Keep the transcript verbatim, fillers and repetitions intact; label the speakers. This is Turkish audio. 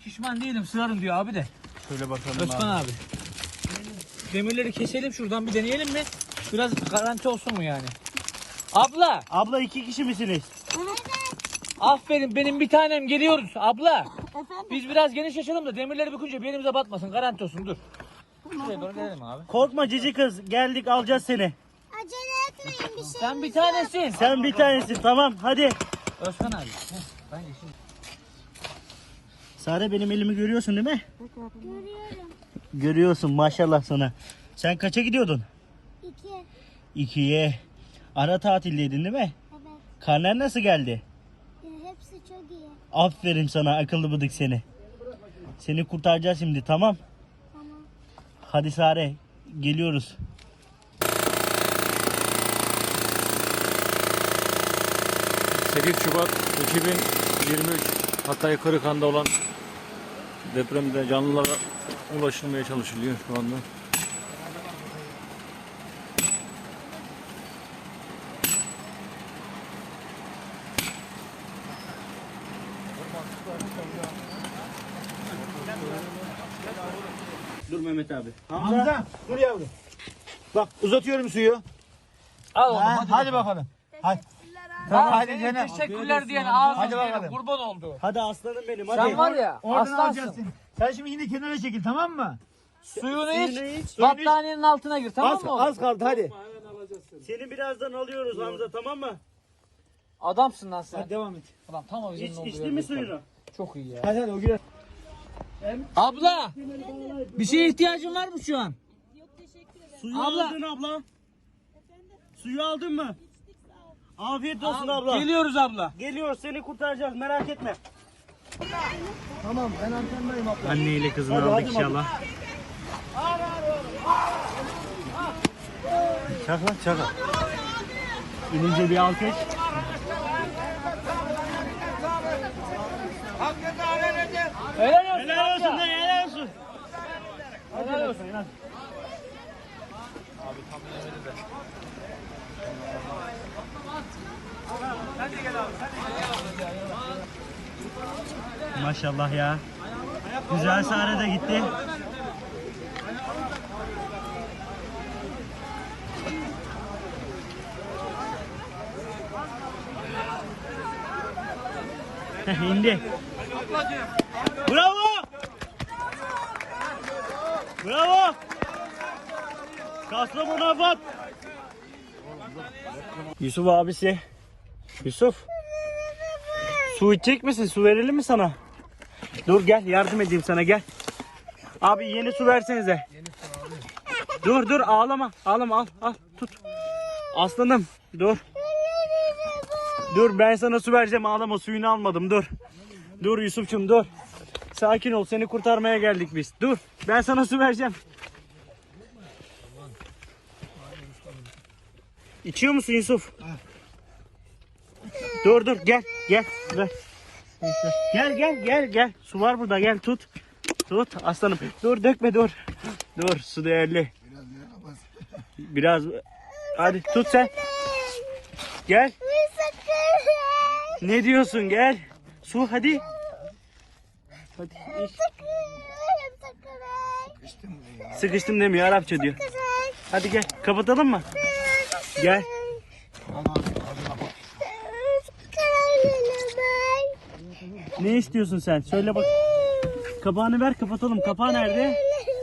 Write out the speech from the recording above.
Speaker 1: pişman değilim, sığarım diyor abi de.
Speaker 2: Şöyle bakalım
Speaker 1: Özkan
Speaker 2: abi.
Speaker 1: abi. Demirleri keselim şuradan, bir deneyelim mi? Biraz garanti olsun mu yani? Abla,
Speaker 2: Abla iki kişi misiniz?
Speaker 1: aferin, benim bir tanem, geliyoruz abla. Biz biraz geniş açalım da demirleri bükünce bir elimize batmasın, garanti olsun, dur. Şuraya doğru gelelim abi.
Speaker 2: Korkma cici kız, geldik alacağız seni.
Speaker 3: Acele etmeyin bir şey.
Speaker 1: Sen bir tanesin.
Speaker 2: Sen bir tanesin, tamam hadi.
Speaker 1: Özkan abi. Heh, ben de şimdi.
Speaker 2: Sare benim elimi görüyorsun değil mi?
Speaker 3: Görüyorum.
Speaker 2: Görüyorsun maşallah sana. Sen kaça gidiyordun?
Speaker 3: İki.
Speaker 2: İkiye. Ara tatildeydin değil mi?
Speaker 3: Evet.
Speaker 2: Karnen nasıl geldi?
Speaker 3: Ya, hepsi çok iyi.
Speaker 2: Aferin sana akıllı bıdık seni. Seni kurtaracağız şimdi, tamam.
Speaker 3: Tamam.
Speaker 2: Hadi Sare geliyoruz.
Speaker 4: sekiz Şubat iki bin yirmi üç Hatay Kırıkhan'da olan depremde canlılara ulaşılmaya çalışılıyor şu anda.
Speaker 2: Dur Mehmet abi.
Speaker 5: Hamza dur yavrum. Bak uzatıyorum suyu.
Speaker 1: Al oğlum,
Speaker 5: Ha,
Speaker 1: hadi,
Speaker 5: hadi bakalım. Hadi.
Speaker 1: Tamam,
Speaker 5: Hadi
Speaker 1: senin
Speaker 5: canım.
Speaker 1: teşekkürler diyen ağzın
Speaker 5: Hadi
Speaker 1: diyelim,
Speaker 5: bakalım.
Speaker 1: kurban oldu.
Speaker 2: Hadi aslanım benim hadi.
Speaker 1: Sen var ya,
Speaker 5: Oradan
Speaker 1: aslansın.
Speaker 5: alacaksın. Sen şimdi yine kenara çekil, tamam mı?
Speaker 1: Suyunu
Speaker 2: Suyunu
Speaker 1: iç,
Speaker 2: iç.
Speaker 1: battaniyenin altına gir, tamam
Speaker 5: Az,
Speaker 1: mı oğlum?
Speaker 5: az kaldı hadi.
Speaker 2: Seni birazdan alıyoruz Hamza, tamam mı?
Speaker 1: Adamsın lan sen.
Speaker 5: Hadi devam et.
Speaker 1: Adam tam o bizim
Speaker 2: İç,
Speaker 1: olduğu
Speaker 2: içti
Speaker 1: yerde
Speaker 2: mi
Speaker 1: kaldı.
Speaker 2: suyunu?
Speaker 1: Çok iyi ya.
Speaker 5: Hadi hadi o girer.
Speaker 1: Abla, bir şeye ihtiyacın var mı şu an?
Speaker 2: Suyu
Speaker 1: Abla.
Speaker 2: aldın abla. Suyu aldın mı? Afiyet olsun abla.
Speaker 1: Geliyoruz abla.
Speaker 2: Geliyoruz, seni kurtaracağız, merak etme.
Speaker 5: Tamam ben antendayım abla.
Speaker 2: Anneyle kızını
Speaker 5: Hadi,
Speaker 2: aldık
Speaker 5: hadi
Speaker 2: inşallah. Çak lan çak. İnince bir alkış.
Speaker 1: Helal olsun.
Speaker 2: Helal olsun
Speaker 1: amca.
Speaker 2: da helal olsun.
Speaker 1: Helal olsun.
Speaker 2: Maşallah ya. Güzel Sare de gitti. İndi. Bravo. Bravo. Kastamonu Afat. Yusuf abisi. Yusuf. Su içecek misin? Su verelim mi sana? Dur gel yardım edeyim sana, gel. Abi yeni su versenize. Dur dur ağlama. Ağlama, al al tut. Aslanım dur. Dur ben sana su vereceğim, ağlama, suyunu almadım, dur. Dur Yusuf'cum dur. Sakin ol, seni kurtarmaya geldik biz. Dur ben sana su vereceğim. İçiyor musun Yusuf? Dur dur gel gel ver. Gel gel gel gel. Su var burada, gel tut. Tut aslanım. Dur dökme dur. Dur su değerli. Biraz hadi tut sen. Gel. Ne diyorsun, gel. Su hadi. Hadi iç. Sıkıştım demiyor, Arapça diyor. Hadi gel kapatalım mı? Gel. Ne istiyorsun sen? Söyle bak. Kapağını ver, kapatalım. Kapağı nerede?